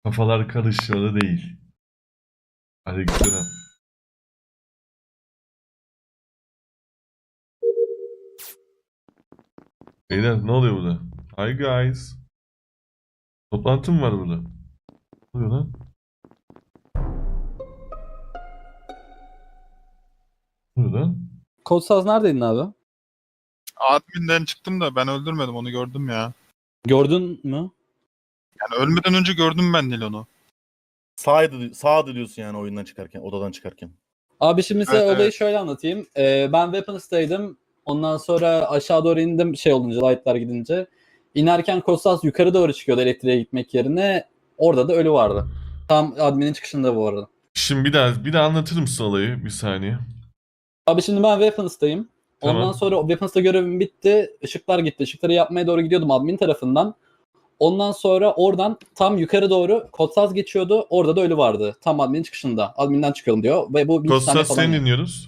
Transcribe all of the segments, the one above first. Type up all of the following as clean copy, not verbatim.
Kafalar karışmadı değil. Aleykümselam. Beyler ne oluyor burada? Hi guys. Toplantı mı var burada? Ne oluyor lan? Ne oluyor lan? Kodsaz neredeydin abi? Admin'den çıktım da ben öldürmedim, onu gördüm ya. Gördün mü? Yani ölmeden önce gördüm ben Nilon'u. Sağdı diyorsun yani oyundan çıkarken, odadan çıkarken. Abi şimdi size Evet, olayı evet. şöyle anlatayım. Ben Weapons'taydım. Ondan sonra aşağı doğru indim şey olunca, light'lar gidince. İnerken Kodsaz yukarı doğru çıkıyordu elektriğe gitmek yerine. Orada da ölü vardı. Tam adminin çıkışında bu arada. Şimdi bir daha anlatır mısın olayı? Bir saniye. Abi şimdi ben Weapons'tayım. Tamam. Ondan sonra Weapons'ta görevim bitti. Işıklar gitti. Işıkları yapmaya doğru gidiyordum admin tarafından. Ondan sonra oradan tam yukarı doğru Kodsaz geçiyordu. Orada da ölü vardı. Tam adminin çıkışında. Adminden çıkıyorum diyor. Ve bu bir iki saniye Kostas falan. seni yani. dinliyoruz.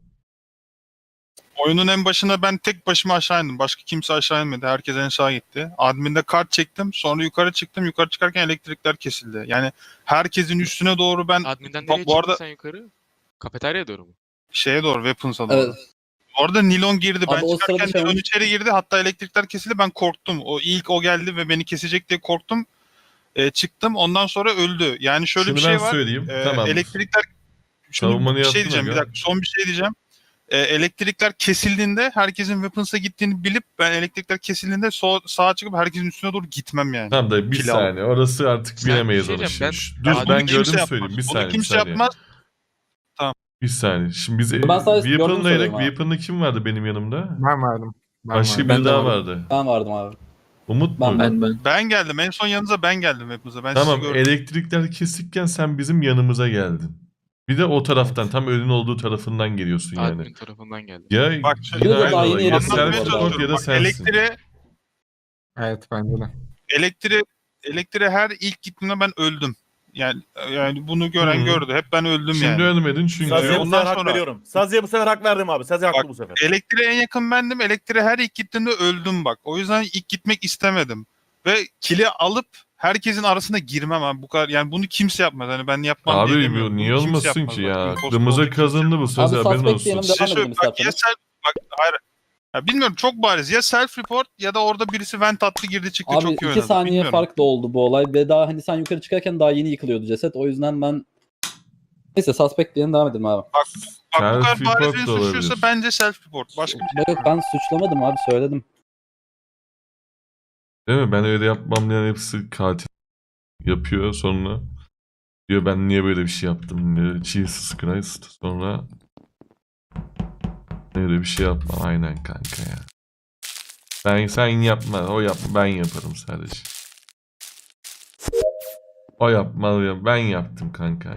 Oyunun en başına ben tek başıma aşağı indim. Başka kimse aşağı inmedi. Herkes en sağa gitti. Admin'de kart çektim. Sonra yukarı çıktım. Yukarı çıkarken elektrikler kesildi. Yani herkesin üstüne doğru ben Admin'den bu nereye çıktın arada sen yukarı? Kafeteryaya doğru mu? şeye doğru, Weapons'a doğru. Evet. Orada Nilon girdi. Ben Abi o çıkarken sırada şey Nilon olmuş. içeri girdi. Hatta elektrikler kesildi. Ben korktum. O geldi ve beni kesecek diye korktum. Çıktım. Ondan sonra öldü. Yani şöyle Şunu bir ben şey var. söyleyeyim. Tamam. Elektrikler... Şimdi Savunmanı bir şey yaptın diyeceğim. aga. Bir dakika. Son bir şey diyeceğim. Elektrikler kesildiğinde herkesin Weapons'a gittiğini bilip ben elektrikler kesildiğinde sağa çıkıp herkesin üstüne doğru gitmem yani. Tamam da bir Kili alıp. saniye. Orası artık Sen bilemeyiz bir şey onu diyeceğim, şimdi. ben- Dur Bunu ben kimse gördüm yapmaz. söyleyeyim. Bir Bunu saniye. Bir kimse saniye. yapmaz. Bir saniye. Şimdi biz Ben sadece gördüğümü Weapon'daydık. soruyorum abi. Weapon'da kim vardı benim yanımda? Ben vardım. Başka Ben biri de daha vardım. vardı. Ben vardım abi. Umut mu? Ben. Ben geldim. En son yanınıza ben geldim Weapons'a. Ben Tamam, sizi gördüm. elektrikler kesikken sen bizim yanımıza geldin. Bir de o taraftan, tam ölün olduğu tarafından geliyorsun yani. Admin tarafından geldi. Ya Bak, yine Yo, aynı daha yeni olay. Ya yere Anlatmaya self çalışıyorum. report ya da Bak, sensin. Evet bence de. elektriğe her ilk gittiğimde ben öldüm. Yani bunu gören Hı. gördü. Hep ben öldüm Şimdi yani. ölmedin çünkü. Saziye bu ondan sefer hak sonra- veriyorum. Saziye bu sefer hak verdim abi. Saziye haklı Bak, bu sefer. Elektriğe en yakın bendim. Elektriğe her ilk gittiğimde öldüm bak. O yüzden ilk gitmek istemedim. Ve kili alıp herkesin arasına girmem abi. Bu kadar, yani bunu kimse yapmaz. Hani ben yapmam diye Abi demiyorum. bu Bunu niye kimse olmasın yapmaz ki bak. ya? Imposter Aklımıza olduğu kimse kazındı bu söz, Abi haberin suspect olsun. diyelim, Bir şey devam edelim söyle, bak, isterseniz. hayır. Ya bilmiyorum, çok bariz. Ya self report ya da orada birisi vent attı, girdi çıktı, Abi çok iyi 2 oynadı. saniye Bilmiyorum. farklı oldu bu olay ve daha hani sen yukarı çıkarken daha yeni yıkılıyordu ceset. O yüzden ben neyse suspect diyelim, devam edelim abi. Bak bu kadar Self bariz report bir da suçluyorsa olabilir. bence self report. Başka bir şey. Yok, ben suçlamadım abi, söyledim. Değil mi? Ben öyle yapmam diyen hepsi katil yapıyor sonra. Diyor ben niye böyle bir şey yaptım diyor. Jesus Christ. Sonra öyle bir şey yapma. Aynen kanka ya. Sen yapma. O yapma. Ben yaparım sadece. O yapma. Ben yaptım kanka.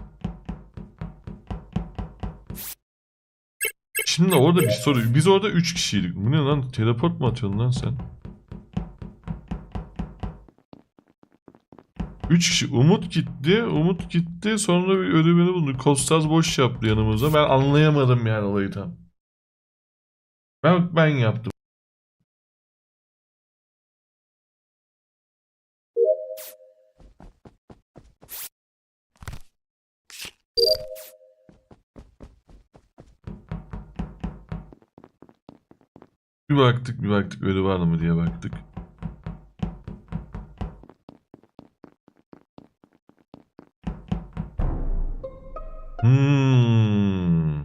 Şimdi orada bir soru. Biz orada 3 kişiydik. Bu ne lan? Teleport mu atıyorsun lan sen? 3 kişi. Umut gitti. Umut gitti. Sonra bir ölü beni buldu. Kostaz boş yaptı yanımıza. Ben anlayamadım yani olayı tam. Ben yaptım. Bir baktık ölü var mı diye baktık. Hmm.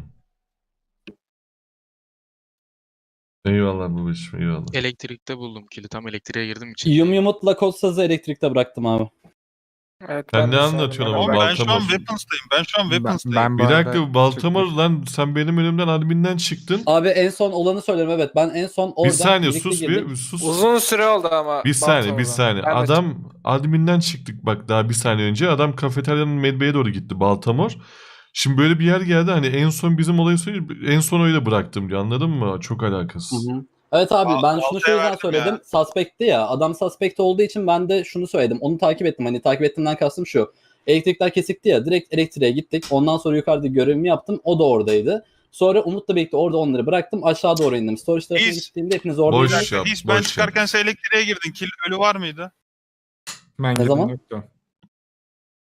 Eyvallah babacığım, eyvallah. Elektrikte buldum kili. Tam elektriğe girdim için. Yumyumut'la Kodsaz'ı elektrikte bıraktım abi. Evet, Sen ben ne de anlatıyorsun sanırım ama Oğlum öyle. ben şu an Baltamor? Weapons'tayım. Ben şu an Weapons'tayım. Ben bu Bir arada dakika, Baltamor çıkmış. lan sen benim önümden adminden çıktın. Abi en son olanı söylüyorum, evet. Ben en son Bir oradan saniye birlikte sus girdik. bir sus. Uzun süre oldu ama. Bir saniye bir Baltimore'dan. saniye. Ben de Adam adminden çıktık bak daha bir saniye önce. Adam kafeteryanın medbeye doğru gitti Baltamor. Şimdi böyle bir yer geldi hani en son bizim olayı söyleyeyim. En son öyle bıraktım diyor, anladın mı? Çok alakasız. Hı hı. Evet abi, ben şunu şu Balta'ya yüzden verdim söyledim. ya. Suspect'ti ya. Adam suspect olduğu için ben de şunu söyledim. Onu takip ettim. Hani takip ettiğimden kastım şu. Elektrikler kesikti ya. Direkt elektriğe gittik. Ondan sonra yukarıda görevimi yaptım. O da oradaydı. Sonra Umut'la birlikte orada onları bıraktım. Aşağı doğru indim. Storage tarafına Biz- gittiğimde hepiniz Boş oradaydınız. yap, Hiç ben boş çıkarken sen elektriğe girdin. Kill ölü var mıydı? Ben Ne zaman? yoktu.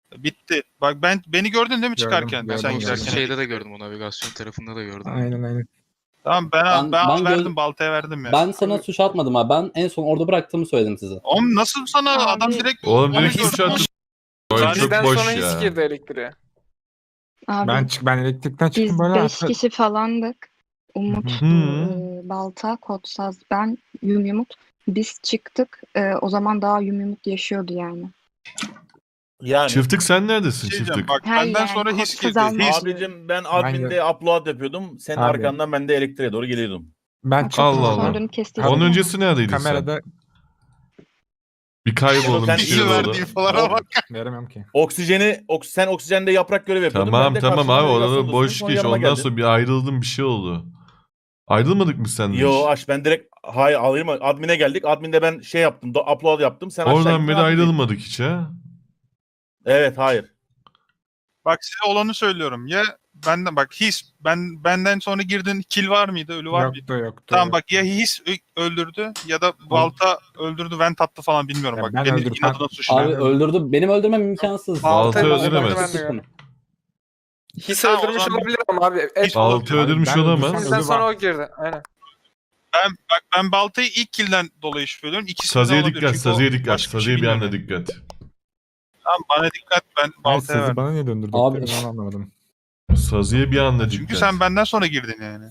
Bitti. Bak beni gördün değil mi çıkarken? Gördüm, sen gördüm. giderken. Şeyde de gördüm, o navigasyon tarafında da gördüm. Aynen. Tamam ben Ben verdim baltaya verdim ya. Ben sana suç atmadım abi. Ben en son orada bıraktığımı söyledim size. Oğlum nasıl sana Abi. adam direkt Oğlum onu direkt gördü. suç attı. Oy, Zaten çok Bizden boş sonra ya. his girdi elektriğe. Abi Ben elektrikten biz çıktım böyle 5 kişi falandık. Umut, Hı. Balta, Kotsaz, ben, Yumyumut. Biz çıktık. O zaman daha Yumyumut yaşıyordu yani. Yani Çıftık sen neredesin Şey Çıftık? diyeceğim, bak Hayır benden yani, sonra his kodsuz girdi. almaz. His. abicim ben adminde upload yapıyordum. Senin Abi. arkandan ben de elektriğe doğru geliyordum. Ben Çok çıktım. Allah hızlı Allah. sonra dönüp kestiysen Onun ama. öncesi neredeydin sen? Kamerada Bir kayboldum Sen bir Hisi şey oldu. verdiği falan bak. veremem ki. Sen oksijende yaprak görevi yapıyordun. Tamam ben de tamam karşında abi navigasyon orada odasındayım, boş sonra geç. yanıma Ondan geldin. sonra bir ayrıldım bir şey oldu. Ayrılmadık mı sen de Yo hiç? aş ben direkt hayır alayım admine geldik. Adminde ben şey yaptım. Upload yaptım. Sen aşağı Oradan gittin, beri admindeydin. ayrılmadık hiç ha. Evet hayır. Bak size olanı söylüyorum. Ya benden bak benden sonra girdin kill var mıydı? Ölü var mıydı? Yoktu. Tamam bak ya his öldürdü ya da balta öldürdü vent attı falan bilmiyorum Ya bak. ben Beni öldürdüm. inadına suçluyor. Abi öldürdü. Benim öldürmem imkansız. Balta Baltayı öldüremez. ben de ya. His Tamam, o öldürmüş zaman olabilir ama abi. Balta öldürmüş Ben olamaz. Bizden sonra o girdi. Aynen. Ben baltayı ilk kill'den dolayı şüphe ediyorum. İkisi de Sazıya olabilir. dikkat, Çünkü sazıya o dikkat. başka bir şey Sazıya bir anda bilmiyorum. dikkat. Tamam bana dikkat ben Hayır, baltaya sizi verdim. bana niye döndürdü? Abi. Ben onu anlamadım. Sazıya bir anda dikkat. Çünkü sen benden sonra girdin yani.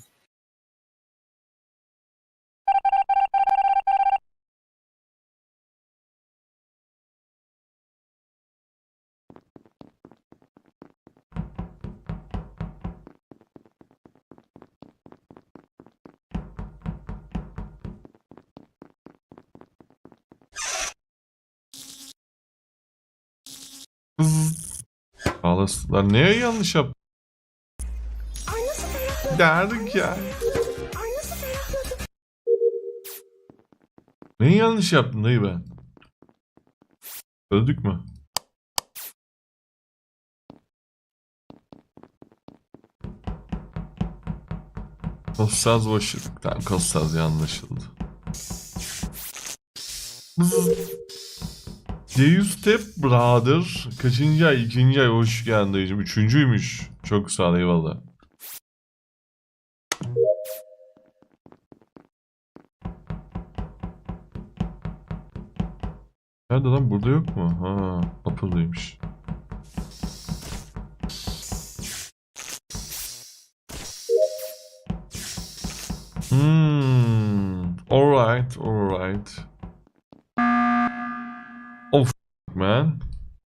Ağlasın. Lan neye yanlış yap? Derdik ya. Neyi yanlış yaptım dayı ben? Öldük mü? Kossaz boşluktan Kossaz yanlışıldı. You Step Brother kaçıncı ay? 2. ay hoş geldin dayıcım. 3.'üymüş. Çok sağ ol eyvallah. Nerede lan? Burada yok mu? Ha, Apple'daymış. Alright. Of man.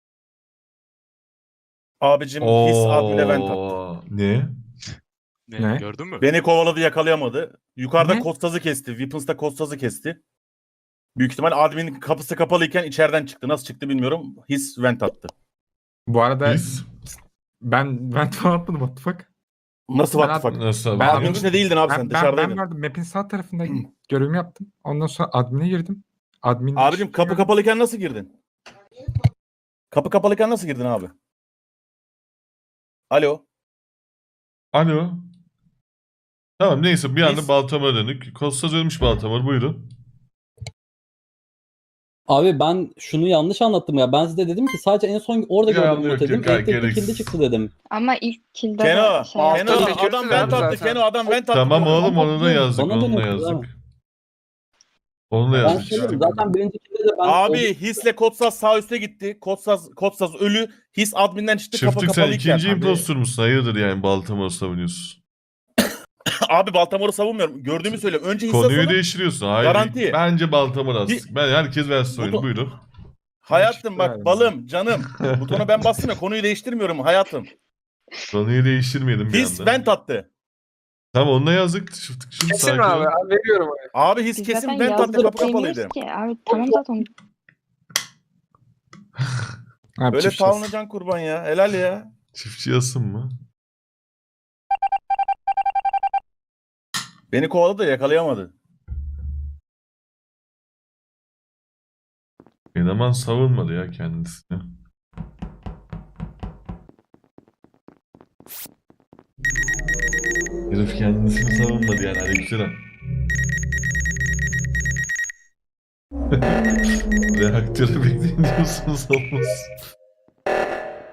Abicim his admine vent attı. Ne? Ne? Gördün mü? Beni kovaladı yakalayamadı. Yukarıda Ne? Kostaz'ı kesti. Weapons'ta Kostaz'ı kesti. Büyük ihtimal admin kapısı kapalıyken içeriden çıktı. Nasıl çıktı bilmiyorum. His vent attı. Bu arada Biz? ben falan atmadım, what the fuck? Nasıl Ben what the fuck? Nasıl? Ben- Admin içinde değildin abi sen Ben dışarıdaydın. vardım. Map'in sağ tarafında görevimi yaptım. Ondan sonra admin'e girdim. Admin Abicim kapı kapalıyken nasıl girdin? Kapı kapalıyken nasıl girdin abi? Alo. Alo. Tamam neyse bir anda Biz- Baltamar'a dönük. Kostaz ölmüş Baltamar buyurun. Abi ben şunu yanlış anlattım ya. Ben size dedim ki sadece en son orada Ya, gördüm yok, Umut dedim. yok, Elektrik gereksiz. kilde çıktı dedim. Ama ilk kilde Keno. de şey yaptı. Keno Security adam vent attı. zaten. Keno adam vent attı. Tamam oğlum Bana onu da dönüyor, yazdık. bana Onu da dönüyor, yazdık. tamam. Onu da Ben yazdık. söyledim zaten birinci kilde de ben... Abi hisle Kotsaz sağ üste gitti. Kotsaz ölü. His adminden çıktı. Kapı Çiftlik sen kapalıyken. ikinci impostor musun? Hayırdır yani Baltamar'ı savunuyorsun? Abi Baltimore'u savunmuyorum. Gördüğümü söylüyorum. Önce hisse Konuyu savun. değiştiriyorsun. Hayır. Garanti. Bence Baltamar astık. Ben herkes versin oyunu. Bu- Buyurun. Hayatım bak Çıktı balım canım. Butona ben bastım ya konuyu değiştirmiyorum hayatım. Konuyu değiştirmeyelim bir His anda. vent attı. Tamam onunla yazdık. Çiftlik şimdi Kesin sakin abi. ol. Abi veriyorum abi. Abi his Biz kesin zaten vent attı kapı yazdırıp kapalıydı. demiyoruz ki. Abi tamam zaten. Abi Böyle çift şans. savunacaksın kurban ya. Helal ya. Çiftçi yazsın mı? Beni kovaladı da yakalayamadı. Eleman savunmadı ya kendisini. Herif kendisini savunmadı yani aleykümselam. Reaktörü bekleyin diyorsunuz olmaz.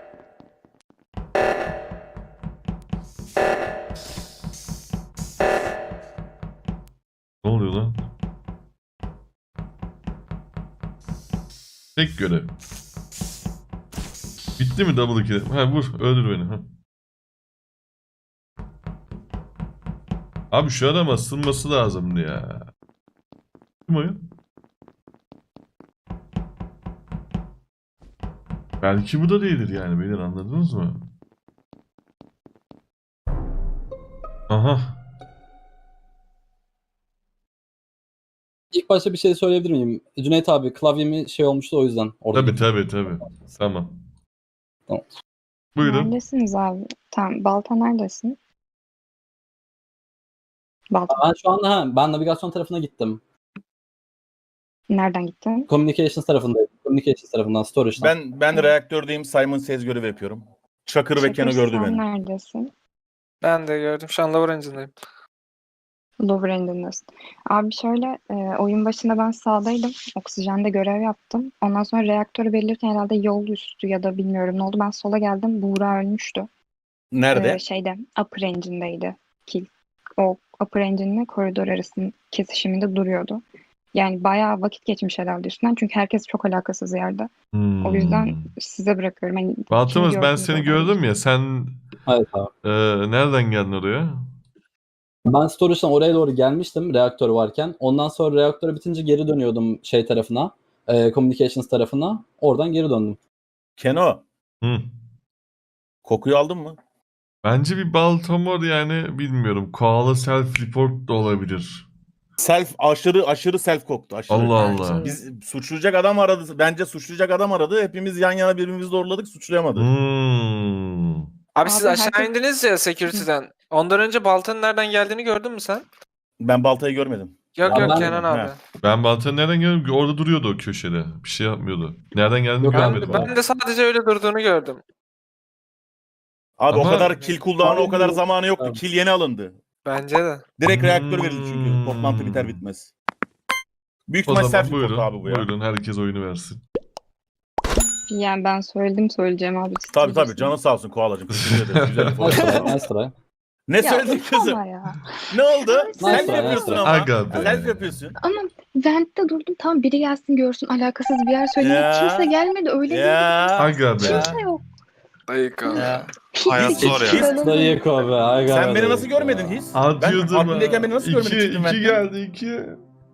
Tek görev. Bitti mi double kill? Ha vur öldür beni. Ha. Abi şu adam asılması lazımdı ya. Kim oyun? Belki bu da değildir yani beyler, anladınız mı? Aha. İlk başta bir şey söyleyebilir miyim? Cüneyt abi klavyemi şey olmuştu o yüzden. Orada Tabii. Tamam. Tamam. Buyurun. Neredesiniz abi? Tamam. Balta neredesin? Balta. Ben şu anda ben navigasyon tarafına gittim. Nereden gittin? Communications tarafındayım. Communications tarafından, storage'dan. Ben reaktördeyim. Simon Says görevi yapıyorum. Çakır ve Keno gördü sen beni. neredesin? Ben de gördüm. Şu an Lower Engine'dayım. Lower Engine'desin. Abi şöyle oyun başında ben sağdaydım. Oksijende görev yaptım. Ondan sonra reaktörü belirlerken herhalde yol üstü ya da bilmiyorum ne oldu. Ben sola geldim. Buğra ölmüştü. Nerede? Şeyde Upper Engine'deydi. Kill. O Upper Engine'le koridor arasının kesişiminde duruyordu. Yani bayağı vakit geçmiş herhalde üstünden. Çünkü herkes çok alakasız yerde. O yüzden size bırakıyorum. Hani Baltamız, kim ben gördünüz seni orada? gördüm ya, sen Evet abi. nereden geldin oraya? Ben storage'dan oraya doğru gelmiştim reaktör varken. Ondan sonra reaktörü bitince geri dönüyordum şey tarafına. Communications tarafına. Oradan geri döndüm. Keno. Hı. Kokuyu aldın mı? Bence bir Baltamor yani bilmiyorum. Koala self report da olabilir. Aşırı self koktu. Aşırı. Allah Allah. Biz suçlayacak adam aradı. Bence suçlayacak adam aradı. Hepimiz yan yana birbirimizi zorladık. Suçlayamadı. Hmm. Abi siz Abi aşağı herkes- indiniz ya security'den. Ondan önce baltanın nereden geldiğini gördün mü sen? Ben baltayı görmedim. Yok Ya yok ben- Kenan abi. He. Ben Balta'nın nereden geldim? Orada duruyordu o köşede. Bir şey yapmıyordu. Nereden geldiğini Yok, görmedim. Ben de sadece öyle durduğunu gördüm. Abi Ama- o kadar kill cooldown'a o kadar Aynen. zamanı yoktu. Evet. Kill yeni alındı. Bence de. Direkt reaktör verildi çünkü. Hmm. Toplantı biter bitmez. Büyük O ihtimal zaman self buyurun. report abi bu ya. Buyurun herkes oyunu versin. Yani ben söyleyeceğim abi. Siz Tabii bilirsiniz. canı sağ olsun Koalacığım. Teşekkür ederiz. Güzel Nice informasyonu. try, nice try. Ne Ya söyledin of kızım? ama ya. Ne oldu? Self Nice yapıyorsun try. ama. Aga be. Self yapıyorsun. Ama vent'te durdum. Tam biri gelsin görsün. Alakasız bir yer söylemek. Ya. Kimse gelmedi. Öyle Ya. Aga be. Kimse yok. Ayık abi. Ya. Hayat zor ya. Dayık abi. Sen beni nasıl görmedin his? Ben Atıyordum. admindeyken beni nasıl görmedin? Çıktın İki ventten. geldi iki.